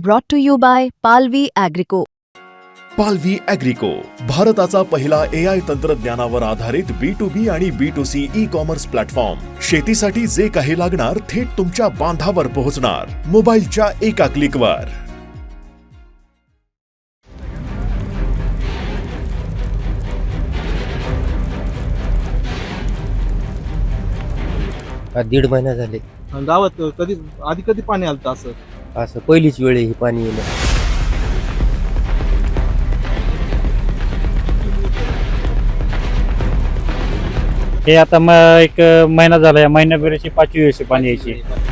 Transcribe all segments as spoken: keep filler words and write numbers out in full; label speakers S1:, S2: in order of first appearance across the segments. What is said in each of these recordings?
S1: brought to you by Palvi Agrico.
S2: पालवी ॲग्रिको, भारताचा पहिला ए आय तंत्रज्ञानावर आधारित बी टू बी आणि B to C e commerce platform. शेतीसाठी जे काही लागणार थेट तुमच्या बांधावर पोहोचणार, मोबाईलच्या एका क्लिकवर.
S3: हा दीड महिना झाले.
S4: गावात कधी आधी कधी पाणी आलं असं
S3: असं पहिलीच वेळ आहे ही पाणी येणं.
S5: हे आता म एक महिना झाला, या महिन्याभराची पाचवी वेळची पाणी यायची.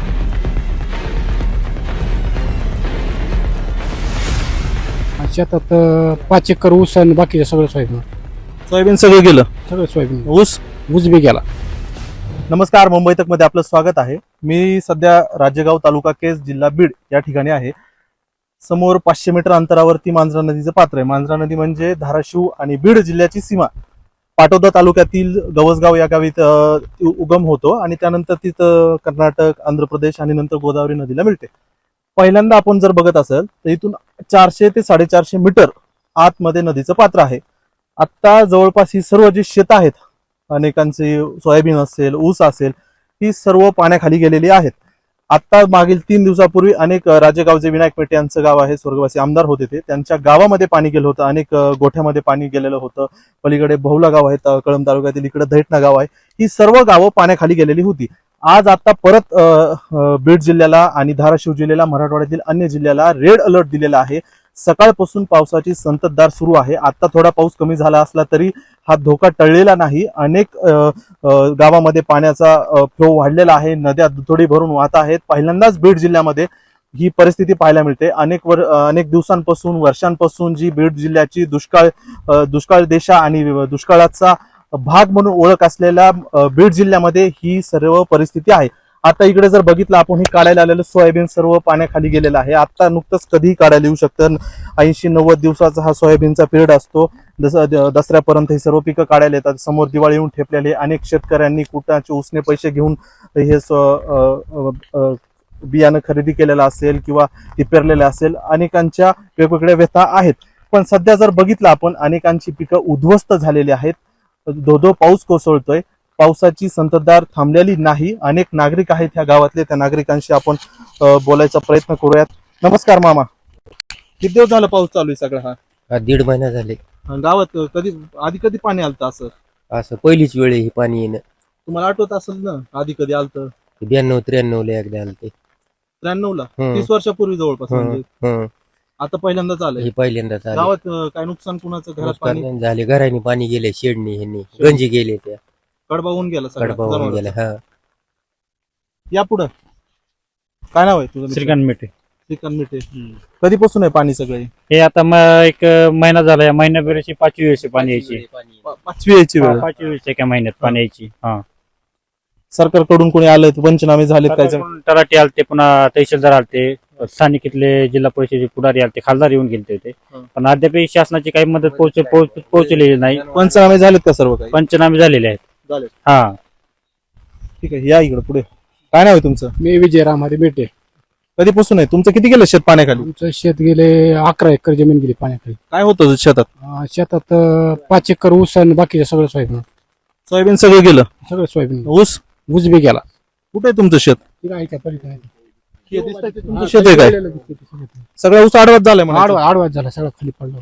S6: शेतात पाच एकर ऊस आणि बाकीचं सगळं सोयाबीन.
S4: सोयाबीन सगळं गेलं,
S6: सगळं सोयाबीन.
S4: ऊस
S6: ऊस बी गेला.
S4: नमस्कार, मुंबई तक मध्ये आपलं स्वागत आहे. मी सध्या राजेगाव तालुका केज जिल्हा बीड या ठिकाणी आहे. समोर पाचशे मीटर अंतरावरती मांजरा नदीचं पात्र आहे. मांजरा नदी म्हणजे धाराशिव आणि बीड जिल्ह्याची सीमा. पाटोदा तालुक्यातील गवसगाव या गावी उगम होतो आणि त्यानंतर तिथं कर्नाटक, आंध्र प्रदेश आणि नंतर गोदावरी नदीला मिळते. पहिल्यांदा आपण जर बघत असेल तर इथून चारशे ते साडेचारशे मीटर आतमध्ये नदीचं पात्र आहे. आता जवळपास ही सर्व जी शेत आहेत, अनेकांचे सोयाबीन असेल, ऊस असेल, ही सर्व पाण्याखाली गेलेली आहेत. आता मागील तीन दिवसापूर्वी अनेक राजेगाव जे विनायक पेटे यांचं गाव आहे, स्वर्गवासी आमदार होते ते, त्यांच्या गावामध्ये पाणी गेलं होतं. अनेक गोठ्यामध्ये पाणी गेलेलं होतं. पलीकडे बहुला गाव आहे कळंब तालुक्यातील, इकडे दैठणा गाव आहे. ही सर्व गावं पाण्याखाली गेलेली होती. आज आता परत बीड जिल्ह्याला आणि धाराशिव जिल्ह्याला, मराठवाड्यातील अन्य जिल्ह्याला रेड अलर्ट दिलेला आहे. सकाळपासून पावसाची संततधार सुरू आहे. आता थोडा पाऊस कमी झाला असला तरी हा धोका टळलेला नाही. अनेक गावामध्ये पाण्याचा फ्लो वाढलेला आहे. नद्या दुथडी भरून वाहत आहेत. पहिल्यांदाच बीड जिल्ह्यामध्ये ही परिस्थिती पाहायला मिळते. अनेक वर अनेक दिवसांपासून, वर्षांपासून जी बीड जिल्ह्याची दुष्काळ दुष्काळ देशा आणि दुष्काळाचा भाग म्हणून ओळख असलेल्या बीड जिल्ह्यामध्ये ही सर्व परिस्थिती आहे. आता इकडे जर बघितलं आपण, हे काढायला आलेलं सोयाबीन सर्व पाण्याखाली गेलेलं आहे. आता नुकतंच कधीही काढायला येऊ शकतं. ऐंशी नव्वद दिवसाचा हा सोयाबीनचा पिरियड असतो. दस दसऱ्यापर्यंत ही सर्व पिकं काढायला येतात. समोर दिवाळी येऊन ठेपलेले अनेक शेतकऱ्यांनी कुटाचे उसने पैसे घेऊन हे बियाणं खरेदी केलेलं असेल किंवा ती पेरलेलं असेल. अनेकांच्या वेगवेगळ्या व्यथा आहेत. पण सध्या जर बघितलं आपण, अनेकांची पिकं उद्ध्वस्त झालेली आहेत. धो धो पाऊस कोसळतोय. पावसाची संततधार थांबलेली नाही. अनेक नागरिक आहेत ह्या गावातले, त्या नागरिकांशी आपण बोलायचा प्रयत्न करूयात. नमस्कार मामा, किती दिवस झालं पाऊस चालू आहे सगळा हा?
S3: हा दीड महिना झाले.
S4: गावात कधी आधी कधी पाणी आलं असं
S3: असं पहिलीच वेळ आहे ही पाणी येणं.
S4: तुम्हाला आठवत असेल ना आधी कधी आलतं?
S3: ब्याण्णव त्र्याण्णव ला एकदा आलते.
S4: त्र्याण्णव ला,
S3: हम्म.
S4: तीस वर्षापूर्वी जवळपास. म्हणजे
S3: हं.
S4: आता पहिल्यांदाच आलंय.
S3: हे पहिल्यांदा झाले.
S4: गावात अं, काय नुकसान कुणाचं? घरात पाणी
S3: नुकसान झाले, घराने पाणी गेले, शेडनी ह्यांनी गंजी गेले, त्या
S4: कडबा होऊन गेला सगळा
S3: कडबा होऊन
S4: जनावरांचा.
S3: गेला. हा
S4: या पुढं काय नाव आहे तुझं?
S5: श्रीकांत मेटे.
S4: श्रीकांत मिठे. कधीपासून आहे पाणी सगळे?
S5: हे आता म एक महिना झाला, या महिन्याभराची पाचवी वेळची पाणी यायची.
S4: पा- पाचवी यायची वेळ.
S5: पाचवी वेळची एका महिन्यात पाणी यायची. हा,
S4: सरकारकडून कोणी आलं, पंचनामे झालेत काय?
S5: सरकारकडून तलाठी आलते, पुन्हा तहसीलदार आलते, स्थानिक इथले जिल्हा परिषदेचे पुढारी आलते, खासदार येऊन गेले होते.
S4: हं.
S5: पण अद्याप शासनाची काही मदत पोहोच पोहोच- पोहोचलेली नाही.
S4: पंचनामे झालेत का सर्व काही?
S5: पंचनामे झालेले आहेत.
S4: झाले.
S5: हा,
S4: ठीक आहे, या इकडे पुढे. काय नाव आहे तुमचं?
S6: मी विजय रामहरी बेटे.
S4: कधीपासून आहे तुमचं? किती गेलं शेत पाण्याखाली?
S6: आमचं शेत गेले अकरा एकर जमीन गेली पाण्याखाली.
S4: काय होतं शेतात?
S6: अं, शेतात अं, पाच एकर ऊस आणि बाकीचं सगळं सोयाबीन.
S4: सोयाबीन सगळं गेलं,
S6: सगळं सोयाबीन.
S4: ऊस
S6: ऊस बी गेला.
S4: कुठे आहे तुमचं शेत?
S6: तिला आहे का पलीकडे?
S4: हे दिसतंय ते तुमचं शेत आहे काय?
S6: सगळं
S4: सगळा ऊस आडवाच झालाय म्हणा.
S6: आडवा आडवाच झाला, सगळं खाली पडलं.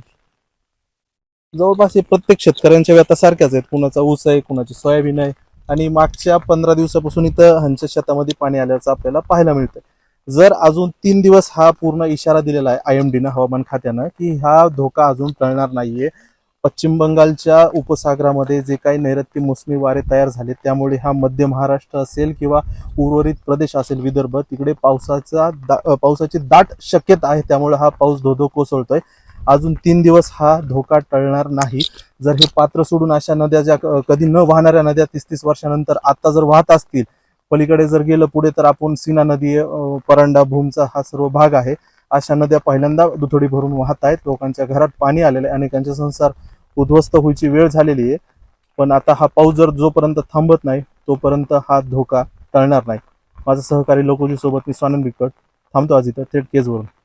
S4: जवळपास हे प्रत्येक शेतकऱ्यांच्या व्यथा सारख्याच आहेत. कुणाचा ऊस आहे, कुणाची सोयाबीन आहे. आणि मागच्या पंधरा दिवसापासून इथं ह्यांच्या शेतामध्ये पाणी आल्याचं आपल्याला पाहायला मिळतं. जर अजून तीन दिवस हा पूर्ण इशारा दिलेला आहे आय एम डीनं, हवामान खात्यानं, की हा धोका अजून टळणार नाहीये. पश्चिम बंगालच्या उपसागरामध्ये जे काही नैऋत्य मोसमी वारे तयार झाले, त्यामुळे हा मध्य महाराष्ट्र असेल किंवा उर्वरित प्रदेश असेल, विदर्भ, तिकडे पावसाचा दा पावसाची दाट शक्यता आहे. त्यामुळे हा पाऊस धोधो कोसळतोय. अजून तीन दिवस हा धोका टळणार नाही. जर हे पात्र सोडून अशा नद्या ज्या कधी न वाहणाऱ्या नद्या तीस तीस वर्षानंतर आता जर वाहत असतील, पलीकडे जर गेलं पुढे तर आपण सीना नदी, परंडा, भूमचा हा सर्व भाग आहे. अशा नद्या पहिल्यांदा दुथडी भरून वाहत आहेत. लोकांच्या घरात पाणी आलेलं आहे. अनेकांचे संसार उद्ध्वस्त व्हायची वेळ झालेली आहे. पण आता हा पाऊस जर जोपर्यंत थांबत नाही तोपर्यंत हा धोका टळणार नाही. माझा सहकारी लोकोजी सोबत मी स्वानंद बिकट थांबतो आज इथं थेट केजवरून.